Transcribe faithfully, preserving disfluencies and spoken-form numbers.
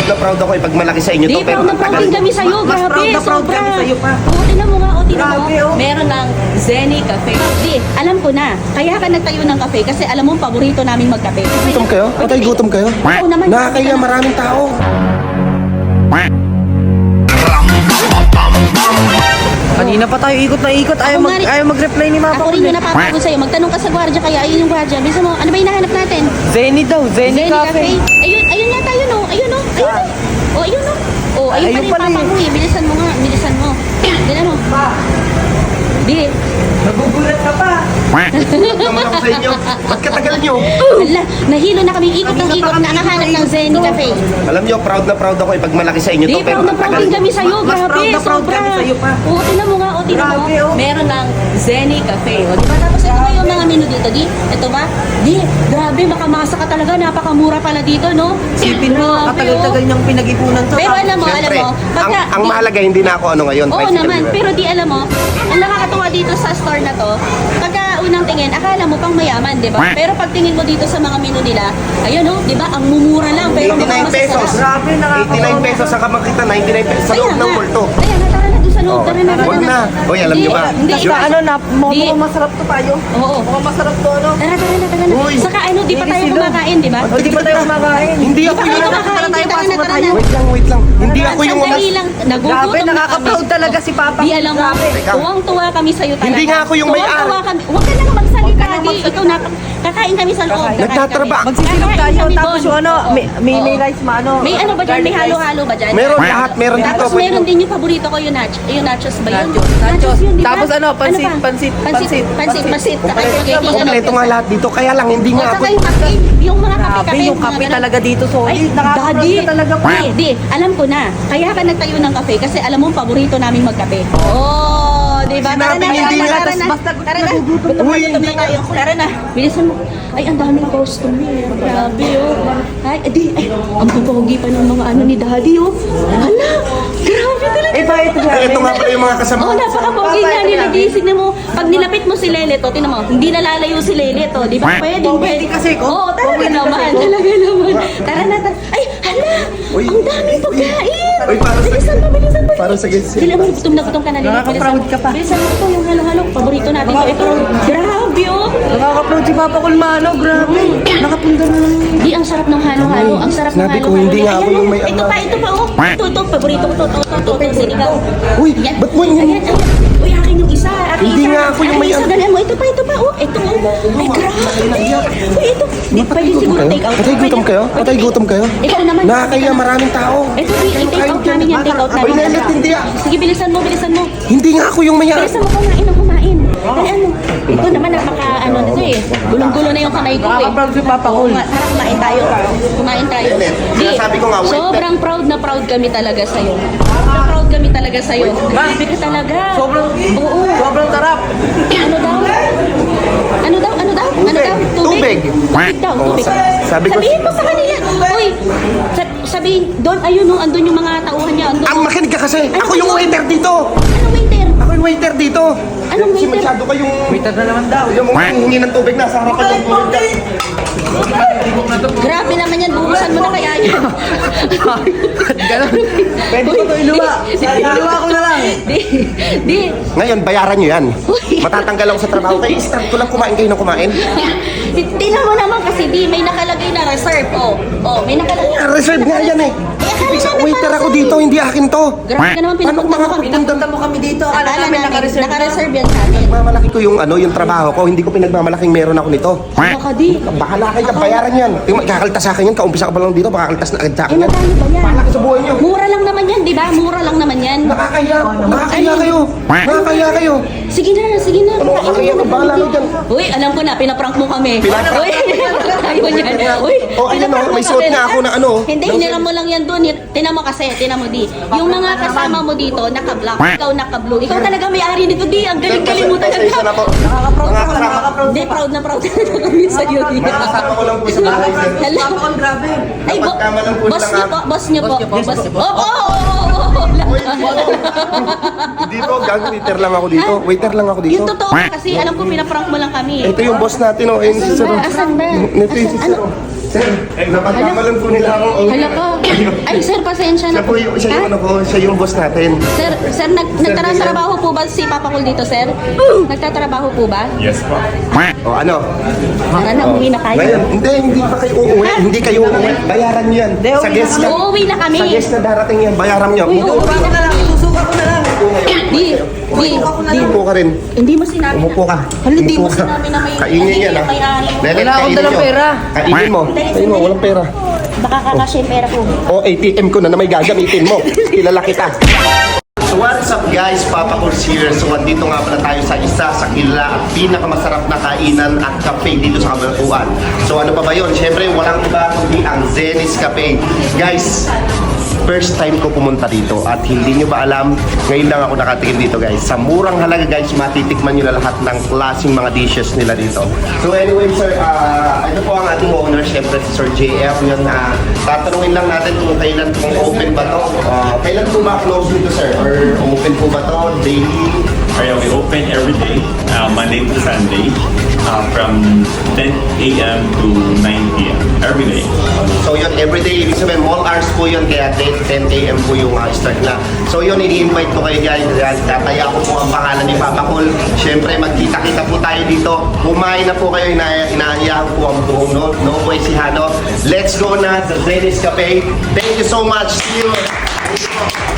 na proud ako ipag malaki sa inyo Di, to. Pero proud na proud din kami sa'yo. Mas Grabe, proud na proud sobra. kami sa'yo pa. Oo, tinan mo nga, o, tinan mo. Grabe, oh. Meron ng Zenny Cafe. Di, alam ko na. Kaya ka nagtayo ng kape kasi alam mo, paborito naming magkape. Gutom kayo? Patay gutom kayo? Oo naman. Nakakaya maraming tao. Kanina pa tayo ikot na ikot. Ayaw, Ako mag, nga rin- ayaw mag-reply ni Mapa. Ako rin yung napapagod sa'yo. Magtanong ka sa gwardiya, kaya ayun yung gwardiya. Bisa mo, ano ba yung nahanap natin? Zenny daw, Zenny, Zenny Cafe. Cafe. Ayun, ayun yata yun, oh. Ayun, oh. Ayun, oh. Oh, ayun, oh. Oh, ayun, Ayun pala pala yung papa eh. mo, eh. Bilisan mo nga, bilisan mo. Tingnan mo. Di. Nagugulat ka pa. Gutom naman ako sa inyo. Ba't katagal nyo? Hala, nahilo na kami ikot ng ikot na nakahanap ng Zenny Cafe. Alam nyo, proud na proud ako ipag malaki sa inyo Di, to. Pero proud na proud tagal din nyo. kami sa'yo. Mas Grabe, proud na proud sobra. kami sa'yo pa. Oo, tinan mo nga, o, tinan mo. Grabe, oh. Meron ng Zenny Cafe. O, di ba? Tapos ito ba yung mga menu dito, di? Ito ba? Di, grabe, makamasa ka talaga. Napakamura pala dito, no? Sipin mo, Grabe, katagal-tagal oh. niyang pinag-ipunan to. Pero alam mo, alam Siyempre, mo, ang, pagka, ang di- mahalaga hindi na ako ano ngayon. Oo bicycle naman, viewer. pero di alam mo, ang nakakatuwa dito sa store na to, pagka unang tingin, akala mo pang mayaman, di ba? Pero pag tingin mo dito sa mga menu nila, ayun oh, di ba, ang mumura lang, pero mukhang eighty-nine pesos. masasarap. Grabe, nakakatawa. eighty-nine pesos sa kamakita, ninety-nine pesos sa Kaya loob ng nga. mall to. Kaya nga, tara na doon sa loob, Oh, tara na, tara wag na. na. Hoy, alam Hindi, niyo ba? Hindi, Basta ano, na, Di. mukhang masarap to tayo. Oo. Mukhang masarap to, ano. Tara, tara na, tara na. Uy. Saka ano, di pa tayo Sino? kumakain, di ba? O, di ba tayo kumakain? Hindi Di ako pa yung... tayo kumakain, Tara tayo, tara pasok na, na tara tayo. na. Wait lang, wait lang. Hindi ako yung... Sandali lang, nagugutom Grabe, na kami. nakaka-proud talaga si Papa. Di alam mo, Grabe. Teka. tuwang-tuwa kami sa'yo talaga. Hindi nga ako yung may-ari. Tuwang-tuwa kami. Huwag ka nang magsalita, di. Ikaw na, kakain kami sa loob. kakain Nagtatraba. kami. Magsisilog Kakain tayo, kami tapos doon. yung ano, Oo. may, may, may Oo. rice ma, ano. May ano ba dyan? May garlic rice. halo-halo ba dyan? Meron lahat, meron dito. Tapos Wait meron lang. din yung paborito ko, yung, nach yung nachos ba yun? Nachos, nachos. yun, di ba? Tapos ano, pansit, pa? pansit, pansit, pansit, pansit. Kompleto, kompleto nga lahat dito. Kaya lang, hindi O, nga ako... saka yung kape, yung mga Grabe, kape-kape. yung kape mga talaga dito, Ay, solid. Nakaka-proud daddy. ka talaga pa. Di, di, alam ko na. Kaya ka nagtayo ng kape kasi alam mo, paborito namin magkape. Oh, di ba? Tara Sinabi na, niya, tara hindi na, nga. tara na. Basta Tara na. nagugutom Uy, hindi nga. Tara na. Bilisan mo. Ay, ang daming customer. Grabe, oh. Ay, di, ay, ang pupogi pa ng mga ano ni daddy, oh. Hala, grabe talaga. Eh, bakit Eh, grabe? ito nga pala yung mga kasama. Oh, napaka-pogi nga nila. Gising mo. Pag nilapit mo si Lele to, tinan mo, hindi nalalayo si Lele to. Di ba? Pwede, Pwede kasi ko. Oo, talaga Pwede naman. kasi ko. Talaga naman. Tara na, tara. Ay, hala! Uy. Ang daming pagkain! Uy, para sa- Bilisan mo, bilisan mo. para sa guys. Sila mo, gutom na gutom ka na, Lele. Nakaka-proud ka pa. Bilisan mo ito, yung halo-halo. Paborito natin to. Ito, grabe, oh. Nakaka-proud si Papa Kulmano, grabe. Nakapunta na lang. Di, ang sarap ng halo-halo. Ang sarap ng Sinabi ko, halo-halo. hindi nga ako Ayan, yung oh. may Ito ano. pa, ito pa, oh. Ito, ito. Paborito ko to. Ito, ito, ito. Sinigaw. Uy, Ayan. ba't mo yun? Ayan, ayan. Uy, akin yung isa. Akin Hindi isa. nga ako yung Akin may- isa, dalihan mo. Ito pa, ito pa. Oh, ito. oh. Ay, grabe. Uy, ito. Di, pwede siguro take out. Patay gutom kayo? Patay gutom kayo? Ikaw naman. Nakakaya maraming tao. Ito, di, i-take out namin yan. Take out Uy, namin. Lelet, hindi ah. Sige, bilisan mo, bilisan mo. Hindi nga ako yung maya. Bilisan mo kumain ng kumain. Dalihan mo. Ito naman, napaka, ano nito eh. Gulong-gulo na yung kamay ko eh. Nakaka-proud si Papa Kul. Kuma- Tara, kumain tayo. Kumain tayo. Lelet, Di, sinasabi ko nga, wait, sobrang proud na proud kami talaga sa'yo. Sobrang proud kami talaga sa'yo. Grabe ka talaga. Sobrang, Oo. sobrang tarap. Ano daw? Ano daw? Ano daw? Ano daw? Tubig. Tubig daw, Oo, tubig. sa- sabi ko- Sabihin mo sa kanila. Uy, sa- sabihin, doon, ayun no, andun yung mga tauhan niya. Andun. Ang makinig ka kasi. Ano Ako yung yun? waiter dito. Anong waiter? Ako yung waiter dito. Anong Kasi waiter? masyado kayong... Waiter na naman daw. Yung mga hingi ng tubig na sa harapan ng tubig. Grabe naman yan, buhusan mo na kaya yan. Ganun. Pwede ko to iluwa. Iluwa ko na lang. Di, di. Ngayon, bayaran nyo yan. Uy. Matatanggal ako sa trabaho. Kaya start ko lang kumain kayo ng kumain. Tingnan mo naman kasi di, may nakalagay na reserve. Oh, oh, may nakalagay. Ah, reserve nga yan eh. Eh, akala Isa, namin waiter para ako sa'yo. dito, hindi akin to. Grabe ka naman, Paano pinapunta mo mga kami. Pinapunta mo kami dito. Akala Akala namin namin, naka-reserve. naka-reserve yan sa atin. Mamalaki ko yung ano, yung trabaho ko. Hindi ko pinagmamalaking meron ako nito. Baka di. Bahala kayo, bayaran yan. Yung kakaltas sa akin yan, kaumpisa ka pa lang dito, makakaltas na agad sa Eh, akin yan. magkano ba yan? Bahala ka sa buhay nyo. Mura lang naman yan, di ba? Mura lang naman yan. Nakakaya, nakakaya kayo. Nakakaya kayo. Sige na, sige na. Ano, Kain kaya na ka, bahala kami ka dyan. dito. Uy, alam ko na, pinaprank mo kami. Pinaprank? Uy, ayun yan. Uy, Oh, ayun, pinaprank oh, mo may suot kami. nga ako na ano. Hindi, Ng- hiniram mo lang yan doon. Tinan mo kasi, tinan mo di. Yung mga kasama mo dito, naka-black. Ikaw naka-blue. Ikaw talaga may-ari nito di. Ang galing-galing mo Pasensya na talaga. po. Nakaka-proud Mga ako. kasama- Nakaka-proud Hindi, proud na proud talaga kami sa'yo. di. Mga kasama ko lang po sa bahay. sir. Hello. Papa Kul, grabe. Ay, bo- Napagkama lang po boss ng niyo app. po, boss niyo po. Boss niyo po, Boss boss niyo niyo po. po. Oh, oh, oh, oh, oh. Uy, hindi po. Hindi po, gang waiter lang ako dito. Waiter lang ako dito. Yung totoo kasi alam ko pinaprank mo lang kami. Ito yung boss natin, oh. Ayun si Asan Sir. ba? oh. Asan ba? Ito yung si Asan- Sir. oh. Sir, eh, napagkamalan po nila ako. oh. Hala ka. Ay, sir, pasensya na Siya po yung, siya yung Ha? ano ko, siya yung boss natin. Sir, sir, nag, nagtatrabaho po ba si Papa Cool dito, sir? Nagtatrabaho po ba? Yes po. O ano? Tara na, umuwi na kayo. Ngayon, hindi, hindi pa kayo uuwi. Hindi kayo uuwi. Bayaran nyo yan. Hindi, Sa uuwi guest na na. Uuwi na kami. Sa guest na darating yan, bayaran nyo. Uy, Umupo Susuka ko na lang, susuka ko na lang. Di, di, di. Umupo ka rin. Hindi mo sinabi Umupo ka. Hala, hindi mo Umupo ka. sinabi na may... Kainin yan ah. may ani. Lelet, Wala akong kainin dalang nyo. pera. Kainin mo. Kainin mo, walang pera. Baka kakasya yung pera ko. O A T M ko na na may gagamitin mo. Kilala kita. So what's up guys, Papa Cool's here. So andito nga pala tayo sa isa sa kilala at pinakamasarap na kainan at cafe dito sa Cabanatuan. So ano pa ba yun? Siyempre walang iba kundi ang Zenith Cafe. Guys, first time ko pumunta dito at hindi nyo ba alam, ngayon lang ako nakatikim dito guys. Sa murang halaga guys, matitikman nyo na lahat ng klaseng mga dishes nila dito. So anyway sir, uh, ito po ang ating owner, syempre si Sir J F. Yun, uh, tatanungin lang natin kung kailan kung open ba to. Uh, kailan po ba close dito sir? Or open po ba to daily? Kaya we open every day, uh, Monday to Sunday, uh, from ten A M to nine P M every day. So yun, everyday, ibig sabihin, mall hours po yun, kaya ten A M po yung uh, start na. So yun, ini-invite ko kayo guys, tataya ko po ang pangalan ni Papa Cool. Siyempre, magkita-kita po tayo dito. Kumain na po kayo, ina inaayahan po ang buong no, no Boy Sihano. Let's go na sa Zenith Cafe. Thank you so much. See you.